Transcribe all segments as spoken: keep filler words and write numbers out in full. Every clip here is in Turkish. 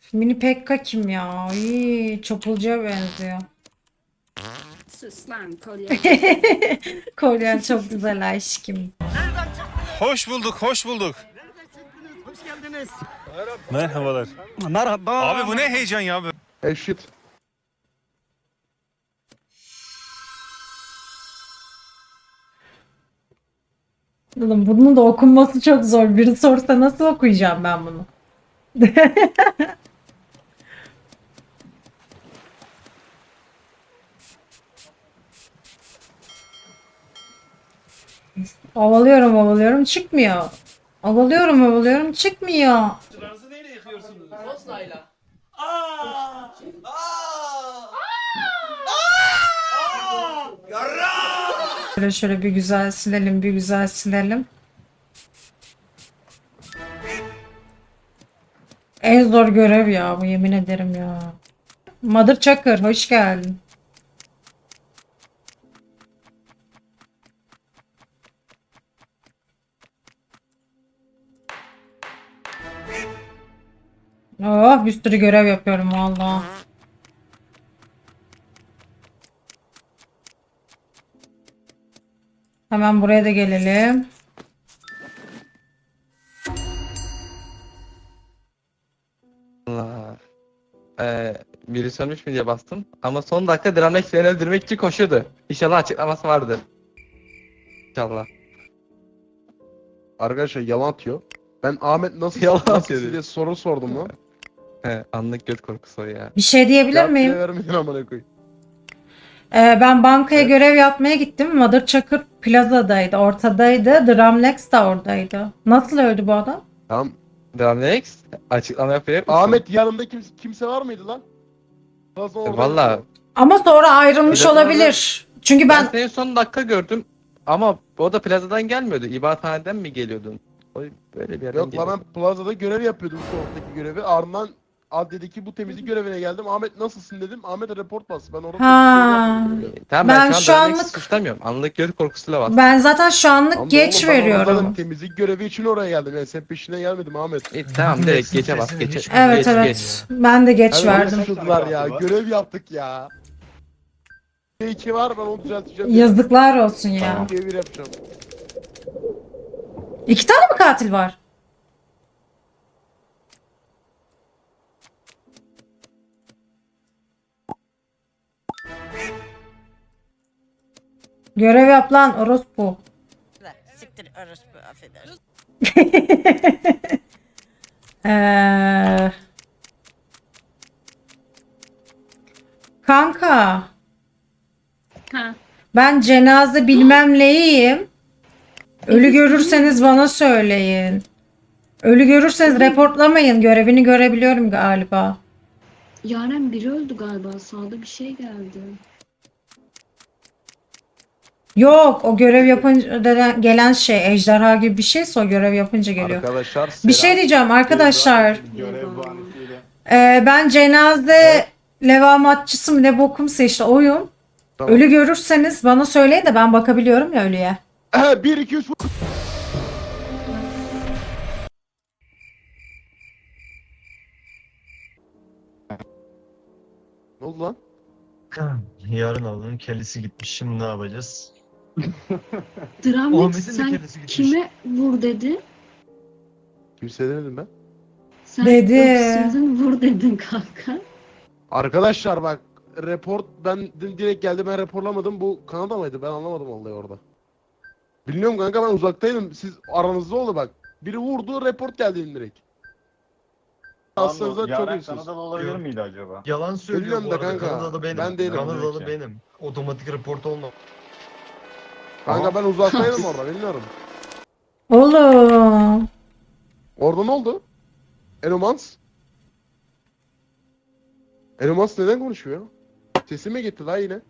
Mini Pekka kim ya? İyi, çapulcuya benziyor. Sus lan kolye geçti. Kolyen çok güzel aşkım. Hoş bulduk, hoş bulduk. Hoş geldiniz. Merhabalar. Merhaba. Abi bu ne heyecan ya? Hey shit. Oğlum bunun da okunması çok zor. Biri sorsa nasıl okuyacağım ben bunu? Ovalıyorum ovalıyorum çıkmıyor. Ovalıyorum ovalıyorum çıkmıyor. Şöyle şöyle bir güzel silelim bir güzel silelim. En zor görev ya bu, yemin ederim ya. Mother Çakır hoş geldin. Oh, bir sürü görev yapıyorum valla. Hemen buraya da gelelim. Allah. Ee, biri sönmüş mü diye bastım. Ama son dakika Dranex beni öldürmek için koşuyordu. İnşallah açıklaması vardır. İnşallah. Arkadaşlar yalan atıyor. Ben Ahmet nasıl Yalan nasıl atıyor diye dedi. soru sordum lan. He, anlık göt korkusu o ya. Bir şey diyebilir Cevap bile miyim? vermedin amına koyayım. Ee, ben bankaya Evet. görev yapmaya gittim. Mother Çakır Plaza'daydı, ortadaydı. Dramlex de oradaydı. Nasıl öldü bu adam? Tamam. Dranex açıklama yapacak mısın? Ahmet yanında kimse, kimse var mıydı lan? Nasıl E, orada? Valla Ama sonra ayrılmış Plaza'da- olabilir. Çünkü ben ben seni son dakika gördüm. Ama o da plazadan gelmiyordu. İbadethaneden mi geliyordun? O böyle bir yerden Yok lan geliyordu. ben plazada görev yapıyordum soğuktaki görevi. Ardından Ad dedi ki bu temizlik görevine geldim. Ahmet nasılsın dedim. Ahmet report bastı. Ben orada Ha. temizlik görevi yapıyordum. E, Tamam Ben ben, şu şu an Dranex'i anlık- suçlamıyorum. Anlık göt korkusuyla bastım. ben zaten şu anlık Tamam da geç oğlum, ben orada veriyorum. temizlik görevi için oraya geldim. Yani sen peşinden gelmedim Ahmet. E, tamam direkt geçe bas geçe. Evet geç, evet. geç. Ben de geç Hadi verdim. Çocuklar ya. Görev yaptık ya. iki var ben onu düzelteceğim. Yazıklar olsun ya. Devir yapacağım. İki tane mi katil var? Görev yap lan orospu. Siktir orospu affedersin. Ee, kanka Ha. ben cenaze bilmem neyim. Ölü görürseniz bana söyleyin. Ölü görürseniz reportlamayın. Görevini görebiliyorum galiba. Yaren biri öldü galiba. Sağda bir şey geldi. Yok, o görev yapınca denen- gelen şey ejderha gibi bir şeyse o görev yapınca geliyor. Arkadaşlar Bir şey selam. diyeceğim arkadaşlar. Görev Ee, ben cenaze levamatçısı mı ne bokumsa işte oyum. Tamam. Ölü görürseniz bana söyleyin de ben bakabiliyorum ya ölüye. bir iki üç Ne oldu lan? Yarın alının kellesi gitmiş. Şimdi ne yapacağız? Dramlex Ahmet'in de sen kendisi gitmiş. kime vur dedi? Kimse demedim ben. Sen Dedi. öksürdün vur dedin kanka. Arkadaşlar bak report ben di- direkt geldi ben raporlamadım. Bu Kanada mıydı? Ben anlamadım vallahi orada. Bilmiyorum kanka ben uzaktaydım. Siz aranızda oldu bak. Biri vurdu report geldi direkt. Aslında çok Yaren iyisiniz. Kanadalı olabilir miydi acaba? Yalan söylüyor Bilmiyorum bu da arada. kanka. Kanadalı benim. Ben değilim. Kanadalı Peki. benim. Otomatik report olma. Kanka ben uzaktaydım orada bilmiyorum. Oğlum. Orada ne oldu? Enomans? Enomans neden konuşuyor? Sesi mi gitti la yine?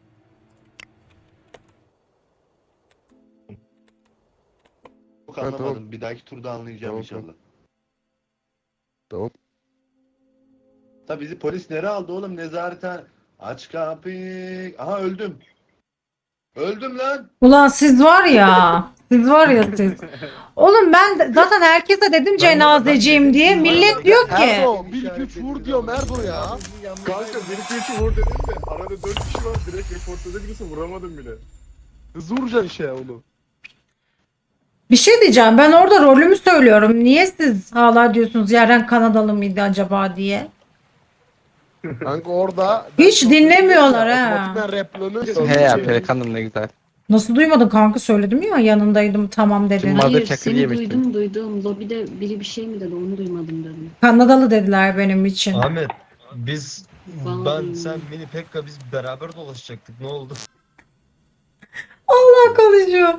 Çok Ha, anlamadım. tamam. Bir dahaki turda anlayacağım Tamam, inşallah. tamam. Tamam. Da bizi polis nereye aldı oğlum? Nezareten. Aç kapıyı. Aha öldüm. Öldüm lan. Ulan siz var ya. Siz var ya siz. Oğlum ben de- zaten herkese dedim cenazeciyim diye. Millet diyor ki. Erdo bir iki üç vur diyor Erdo ya. Kanka bir iki üç vur dedim de arada dört kişi var direkt reportada birisi vuramadım bile. Hızlı vuracaksın işte onu. Bir şey diyeceğim. Ben orada rolümü söylüyorum. Niye siz hala diyorsunuz Yaren Kanadalı mıydı acaba diye? Kanka orada Hiç dinlemiyorlar ha. Otomatikman replanı He ya Pelikan'ım ne güzel. Nasıl duymadın kanka, söyledim ya yanındaydım tamam dedin. Tüm Mother Hayır Çakır seni yemiştim. duydum duydum. Lobide biri bir şey mi dedi onu duymadım dedim. Kanadalı dediler benim için. Ahmet biz Vallahi. ben sen Mini Pekka biz beraber dolaşacaktık. Ne oldu? Allah konuşuyor.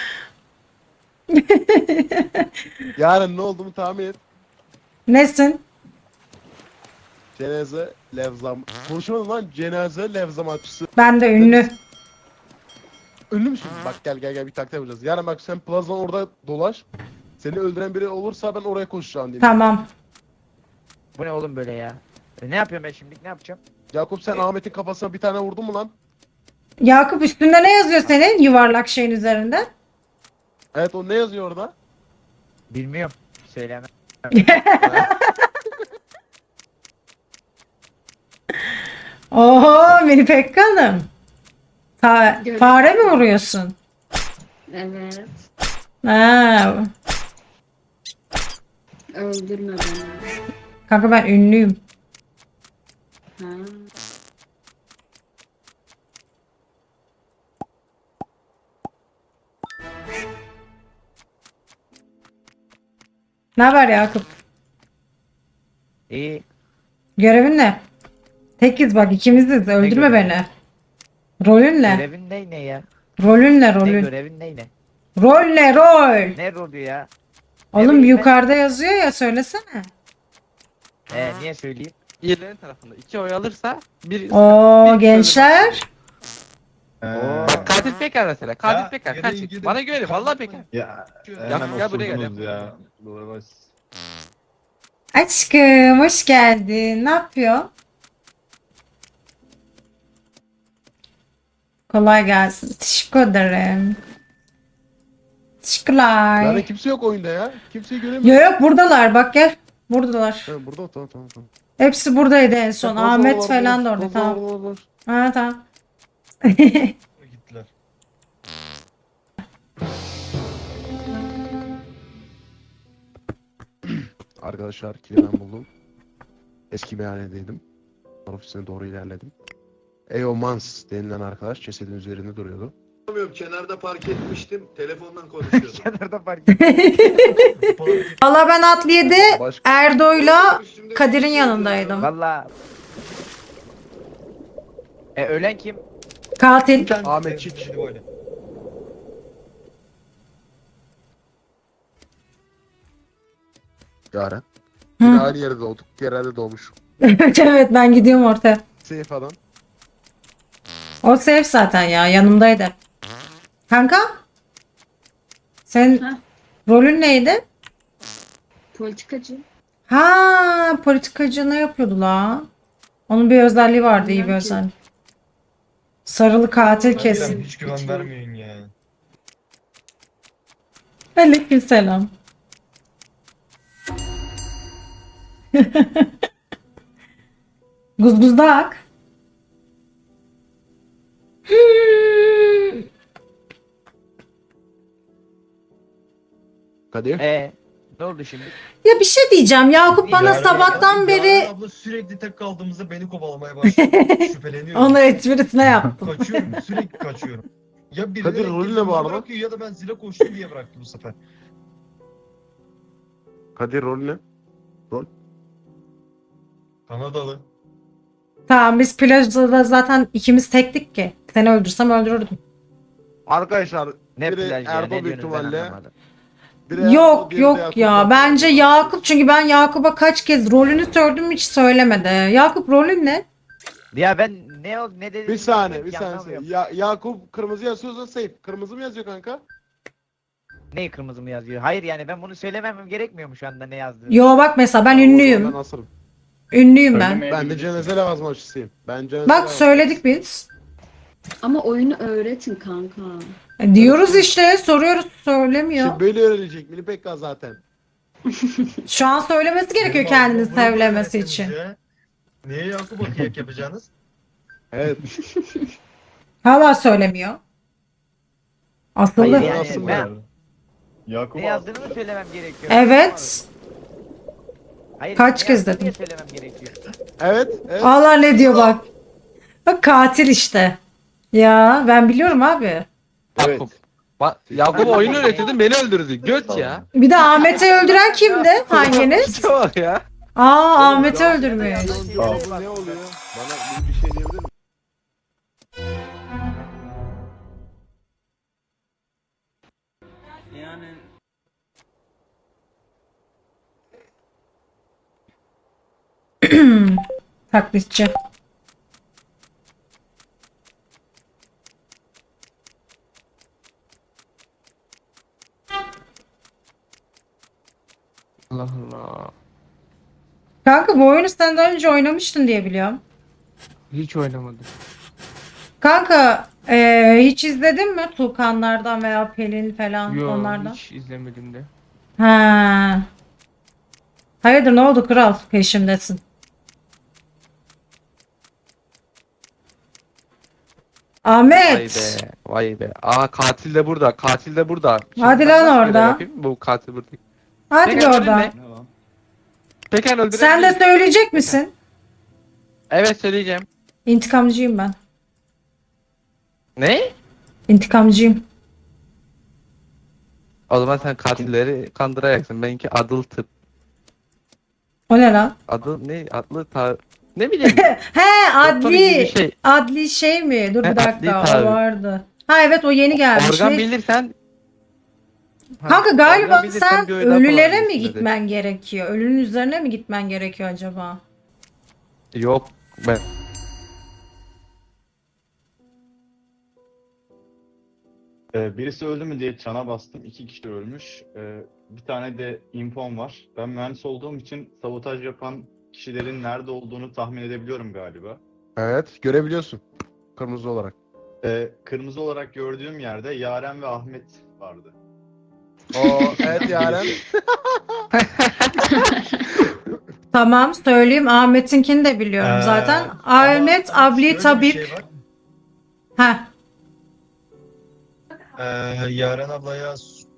Yarın ne olduğunu tahmin et. Nesin? Cenaze levzam. Konuşamadım lan, cenaze levzamatçısı. Ben de ünlü. Ünlü müsün? Bak gel gel gel bir taktik yapacağız. Yarın bak sen plazan orada dolaş. Seni öldüren biri olursa ben oraya koşacağım diyeyim. Tamam. Bu ne oğlum böyle ya? E, ne yapıyorum ben şimdi? Ne yapacağım? Yakup sen Ahmet'in kafasına bir tane vurdun mu lan? Yakup üstünde ne yazıyor senin yuvarlak şeyin üzerinde? Evet, o ne yazıyor orada? Bilmiyorum. Söyleme. Oho Mini Pekka Hanım. Fa- Gör- fare mi vuruyorsun? Evet. Ha. Öldürme beni. Kanka ben ünlüyüm. Ha. Ne haber Yakup? İyi. Görevin ne? Tekiz bak, ikimiziz. Öldürme görevi? beni. Rolün ne? Görevin ne ne ya? Rolün ne Ne rolün? görevin ne ne? Rol ne rol? Ne rolü ya? Oğlum bileyim ben? yukarıda yazıyor ya, söylesene. E niye söyleyeyim? İyilerin tarafında iki oy alırsa bir... Oo bir- gençler. Ee, Bak katil Pekar mesela. Katil Ya, Pekar. gidin, Kaç. gidin. Bana güvenin. Vallahi Pekar. ya Ya, hemen gel buraya gel. osurdunuz ya. Aşkım hoş geldin. Ne yapıyor? Kolay gelsin. Teşekkür ederim. Teşekkürler. Yani kimse yok oyunda ya. Kimseyi göremiyorum. Yok yok buradalar, bak gel. Buradalar. Ha, burada tamam tamam tamam. Hepsi buradaydı en son. Plazan Ahmet var, falan da plazan orada. var, Tamam. var, var. Ha tamam. Gittiler. Arkadaşlar kili ben buldum. Eski meyhanedeydim. Ofisine doğru ilerledim. Eomans denilen arkadaş cesedin üzerinde duruyordu. Bilmiyorum, kenarda park etmiştim. Telefondan konuşuyordum. Kenarda fark Valla ben Adliye'de Başka Erdo'yla Üstümde Kadir'in bir şey yanındaydım. Valla. E ölen kim? Katil. Ahmet Çiç. Hadi böyle. Yaren. Hı. Yine aynı yerde doğduk. Yerelde doğmuş. Evet evet, ben gidiyorum ortaya. Seyf adam. O safe zaten ya, yanımdaydı. Kanka? Sen Ha. rolün neydi? Politikacı. Ha, politikacı ne yapıyordu la? Onun bir özelliği vardı, iyi bir Bilmem ki. özelliği. Sarılı katil Vallahi kesin. Sen hiç güven Hiç vermiyorsun ya. Aleykümselam. Guzguzdak. Hmm. Kadir. E ne oldu şimdi? Ya bir şey diyeceğim. Yakup bana Yaren- sabahtan Yaren beri abla sürekli tek kaldığımızda beni kovalamaya başladı. Şüpheleniyorum. onu esprisine yaptım. Kaçıyorum, sürekli kaçıyorum. Ya biri Kadir, rolü ne bu arada? bırakıyor ya da ben zile koştum diye bıraktı bu sefer. Kadir rolü ne? Kanadalı. Tamam, biz plajda zaten ikimiz tektik ki. Seni öldürsem öldürürdüm. Arkadaşlar Ne biri plaj ya? Erdo Ne büyük diyorsunuz ben ihtimalle. anlamadım. Biri Erdo, Yok diğeri de yok Yakup. ya. Bence Yakup, çünkü ben Yakup'a kaç kez rolünü sordum, hiç söylemedi. Yakup rolün ne? Ya ben ne ol ne dedim? Bir saniye, bir bilmiyorum ki, saniye. anlamıyorum. Ya, Yakup kırmızı yazıyorsa safe. Kırmızı mı yazıyor kanka? Ne kırmızı mı yazıyor? Hayır yani ben bunu söylememem gerekmiyor mu şu anda ne yazdığını? Yo bak mesela ben Tamam, o zaman ünlüyüm. Ben asarım. Ünlüyüm ben. Ben de cenaze levazmaçısıyım. Ben cenaze Bak levazmaçısıyım. söyledik biz. Ama oyunu öğretin kanka. E, diyoruz işte, soruyoruz, söylemiyor. İşte böyle öğrenecek Mini Pekka zaten. Şu an söylemesi gerekiyor Benim kendini ağzıma bunu sevlemesi öğretseniz için. ya. Niye Yakup'a kıyak yapacaksınız? Evet. Hala söylemiyor. Asıllı. Hayır yani Aslında ben yani. Yakup ne yazdığını mı söylemem gerekiyor? Evet. Hayır, Kaç ne kez yazdığını dedim? niye söylemem gerekiyor? Evet. Evet. Allah ne diyor bak. Bak katil işte. Ya ben biliyorum abi. Evet. Yakup. Ba- Yakup oyunu öğretirdin beni öldürdü. Göt ya. Bir de Ahmet'i öldüren kimdi? Hanginiz? Piçe bak ya. Aa Ahmet'i öldürmüş. Bunun cevabı ne oluyor? Bana bir, bir şey diyebilir misin? Yani Taklitçi. Allah Allah. Kanka bu oyunu sen daha önce oynamıştın diye biliyorum. Hiç oynamadım. Kanka eee, hiç izledin mi Tuğkanlardan veya Pelin falan onlardan? hiç izlemedim de. Ha. Hayırdır ne oldu kral? Peşimdesin. Vay Ahmet. be. Vay be. Aa katil de burada. Katil de burada. Şimdi Hadi ben lan nasıl görev orada. yapayım? Bu katil burada. Hadi Peki, bir öldürün oradan. ne? Pekan öldürebilir. Sen de söyleyecek misin? Evet söyleyeceğim. İntikamcıyım ben. Ne? İntikamcıyım. O zaman sen katilleri kandıracaksın. Benimki adıl tıp. O ne lan? Adıl ne? Adlı ta... Ne bileyim. He Doktor gibi adli. bir şey. Adli şey mi? Dur He, bir adli dakika o tabi. vardı. Ha evet o yeni gelmiş. Organ Ne- bilirsen... Ha, Kanka galiba organ bilirsen sen bir oy daha ölülere mi kullanabilirsin dedi. gitmen gerekiyor? Ölünün üzerine mi gitmen gerekiyor acaba? Yok. Ben... Ee, birisi öldü mü diye çana bastım. İki kişi ölmüş. Ee, bir tane de infom var. Ben mühendis olduğum için sabotaj yapan kişilerin nerede olduğunu tahmin edebiliyorum galiba. Evet. Görebiliyorsun. Kırmızı olarak. Ee, kırmızı olarak gördüğüm yerde Yaren ve Ahmet vardı. O evet Yaren. Tamam söyleyeyim Ahmet'inkini de biliyorum Ee, zaten. ama Ahmet şöyle Abli bir Tabip. şey var. Heh. Ee, Yaren ablaya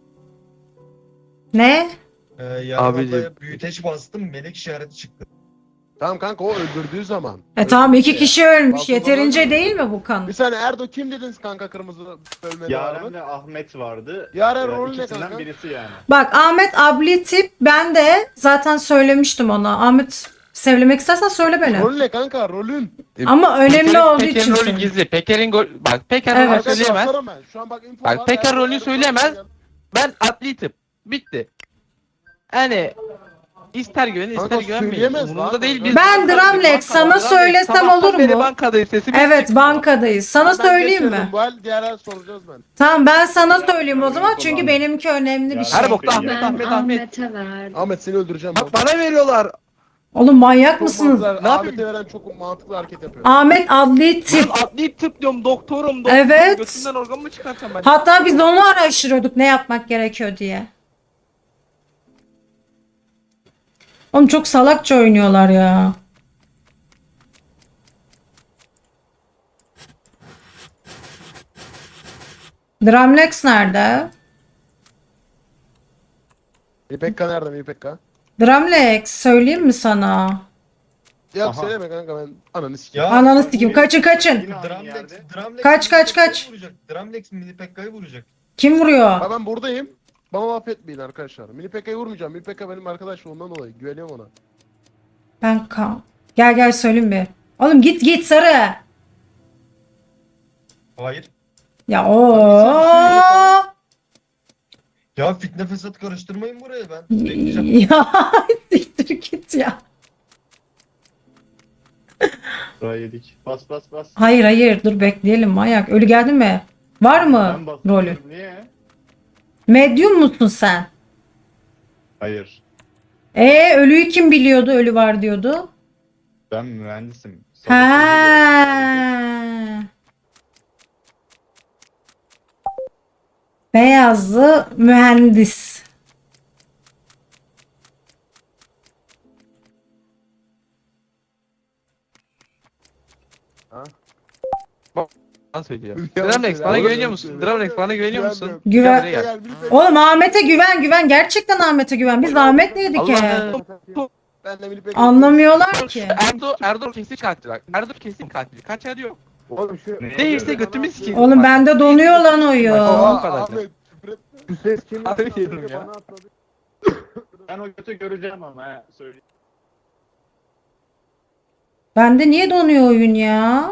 Ne? e, Yaren Abicim. ablaya büyüteç bastım, melek işareti çıktı. Tamam kanka o öldürdüğü zaman. E tamam Öldürdü iki ya. kişi ölmüş. Balkondan Yeterince öldürdü. değil mi bu kan? Bir saniye Erdo kim dediniz kanka kırmızı bölmede Yaren vardı? ve Ahmet vardı. Yaren Ee, rolü ne ikisinden kanka? birisi yani. Bak Ahmet Abli Tip ben de zaten söylemiştim ona. Ahmet sevlemek istersen söyle beni. Rolü ne kanka rolün? Ama önemli Peker'in- olduğu Peker'in için rolü söylüyorum. gizli. Peker'in gol... Bak Peker Evet. rolü Arkadaşlar söyleyemez. sorarım ben. Şu an bak info Bak, var. Peker Erdo- rolü Erdo söyleyemez. söyleyeceğim. Ben adli tıp. Bitti. Yani ister güvenin Kanka ister güvenmeyin. söyleyemez Umurumda lan. değil. Biz Ben bankadayız, Dramlex, bankada. sana Dramlex söylesem sabahtan olur beri mu? bankadayız, sesimiz Evet çıkmıyor. bankadayız. Sana Ben söyleyeyim geçirdim, mi? Bu el diğer el soracağız ben. Tamam ben sana söyleyeyim o zaman çünkü benimki önemli bir Ya, şey. Her bokta Ahmet Ben Ahmet Ahmet. Ahmet'e verdim. Ahmet seni öldüreceğim. Bak bana veriyorlar. Oğlum manyak Çok mısınız? mantıklı- Ne Ahmet'e veren çok mantıklı hareket yapıyor. Ahmet Adli Tip. Ben adli tıp diyorum, doktorum, doktorum. Evet. Götümden organ mı çıkarsam ben? Hatta biz de onu araştırıyorduk ne yapmak gerekiyor diye. Oğlum çok salakça oynuyorlar ya. Dramlex nerede? İpekka nerede İpekka? Dramlex söyleyeyim mi sana? Ya Aha. söyleme kanka ben ananı sikeyim. Ya, Ananı sikeyim kaçın kaçın. Yine aynı Dramlex, yerde. Dramlex Kaç, Mini kaç, Pekka'yı kaç. vuracak. Dramlex Mini Pekka'yı vuracak. Kim vuruyor? Ha ben buradayım. Bana laf etmeyin arkadaşlar. Mini Pekka'yı vurmayacağım. Mini Pekka benim arkadaşlığımdan dolayı. Güveniyorum ona. Ben kan. Gel gel söyleyeyim bir. Oğlum git git sarı. Hayır. Ya o. Ya fitne fesat karıştırmayın buraya ben. Bekleyeceğim. Ya siktir git ya. Buraya yedik. Bas bas bas. Hayır hayır dur bekleyelim manyak. Ölü geldi mi? Var mı Ben basıyorum. rolü? Niye? Medyum musun sen? Hayır. E ölüyü kim biliyordu? Ölü var diyordu. Ben mühendisim. Ha. Sabotajı gördüm. Beyazlı mühendis. Bana söylüyor. Yalan Dramlex söyle, bana yalan güveniyor musun? söyle. Dramlex bana güveniyor musun? Güven. Buraya gel. Oğlum Ahmet'e güven güven. Gerçekten Ahmet'e güven. Biz Ahmet'leydik ya. Allah'ım. Ben de bilip Anlamıyorlar ki. Erdo, Erdo kesin katil bak. Erdo kesin katil. Kaç yer yok. Oğlum şu... Değilse götümü sikeyim. Oğlum bende donuyor lan Bak, oyun. o kadar. Ahmet, küfür etme. Bu ses kim? Abi yedim ya. Ben o götü göreceğim ama he, söyleyeyim. Bende niye donuyor oyun ya?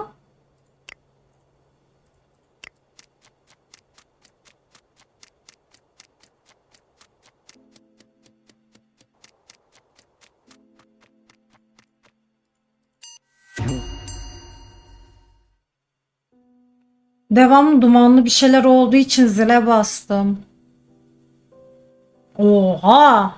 Devamlı dumanlı bir şeyler olduğu için zile bastım. Oha!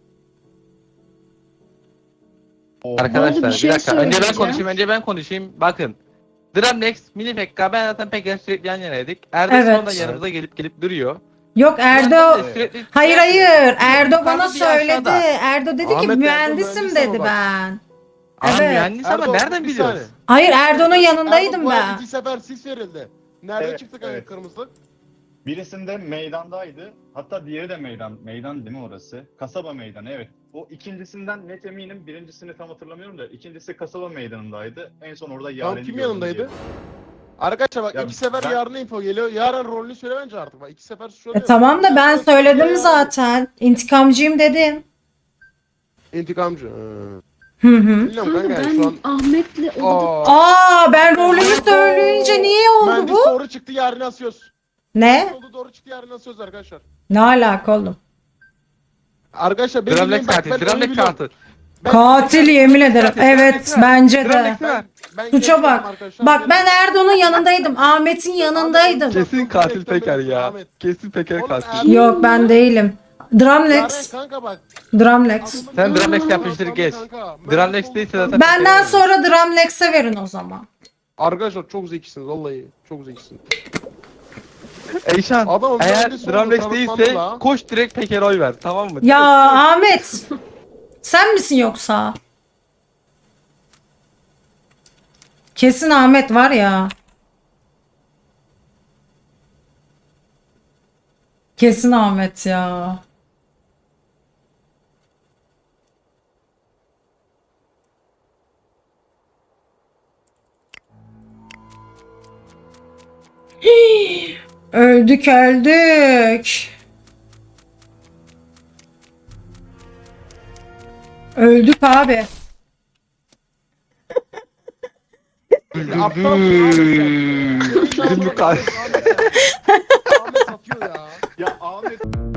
Arkadaşlar bir bir, şey dakika. Önce ben söyleyeceğim. konuşayım. Önce ben konuşayım. Bakın. Dramlex, Mini Pekka ben zaten Pekka sürekli yan yanaydık. Erdo Evet. sonra yanımıza gelip gelip duruyor. Yok Erdo... Yandan da sürekli- Hayır hayır. Erdo bana Yukarıda bir söyledi. aşağıda. Erdo dedi ki Ahmet, Erdo mühendisim mühendis dedi ama bak. ben. Aa, Evet. mühendis ama Erdo, nereden bir biliyoruz? saniye. Hayır Erdo'nun Erdo, yanındaydım bu arada ben. İki sefer sis verildi. Nerede Evet, çıktı kanka evet. kırmızı? Birisinde meydandaydı. Hatta diğeri de meydan. Meydan değil mi orası? Kasaba meydanı, evet. O ikincisinden net eminim. Birincisini tam hatırlamıyorum da ikincisi kasaba meydanındaydı. En son orada Tam Yaren'i kim gördüm yanındaydı? diye. Arkadaşlar bak Ya iki sefer ben- yarın info geliyor. Yarın rolünü söyle bence artık. Bak iki sefer şu E tamam da ben söyledim zaten. İntikamcıyım dedim. İntikamcı. Hı hı. Bilmiyorum Kanka kanka ben şu an. Ahmet'le odada Aa, Aa ben rolümü söyleyince niye oldu mühendis bu? doğru çıktı yarın asıyoruz. Ne? Oldu doğru çıktı yarın asıyoruz arkadaşlar. Ne alaka oğlum? Arkadaşlar benim Dramlex bildiğim- bak, katil. ben Dramlex oyunu biliyorum. katil. Ben- Katil yemin ederim. Katil, Evet Dramlex bence de. Dramlex Ben, ben Suça geçiyorum bak. arkadaşlar. Bak ben Erdo'nun yanındaydım. Ahmet'in yanındaydım. Kesin katil Peker ya. Ahmet. Kesin Peker Oğlum, katil. Erdo- Yok ben değilim. Yaren Dramlex. kanka bak. Dramlex. Sen Dramlex yapmıştır geç. Dramlex değilse zaten Benden sonra Dramlex'e verin o zaman. Arkadaşlar çok zekisiniz vallahi. Çok zekisiniz. Eyşan Adamın eğer mühendis olduğunu Dramlex kanıtlandı değilse la. koş direkt Peker'e oy ver tamam mı? Ya Ahmet. Sen misin yoksa? Kesin Ahmet var ya. Kesin Ahmet ya. Hii, öldük öldük. Öldük abi. Aptal Bizim bu katil. Ahmet satıyor ya. Ya Ahmet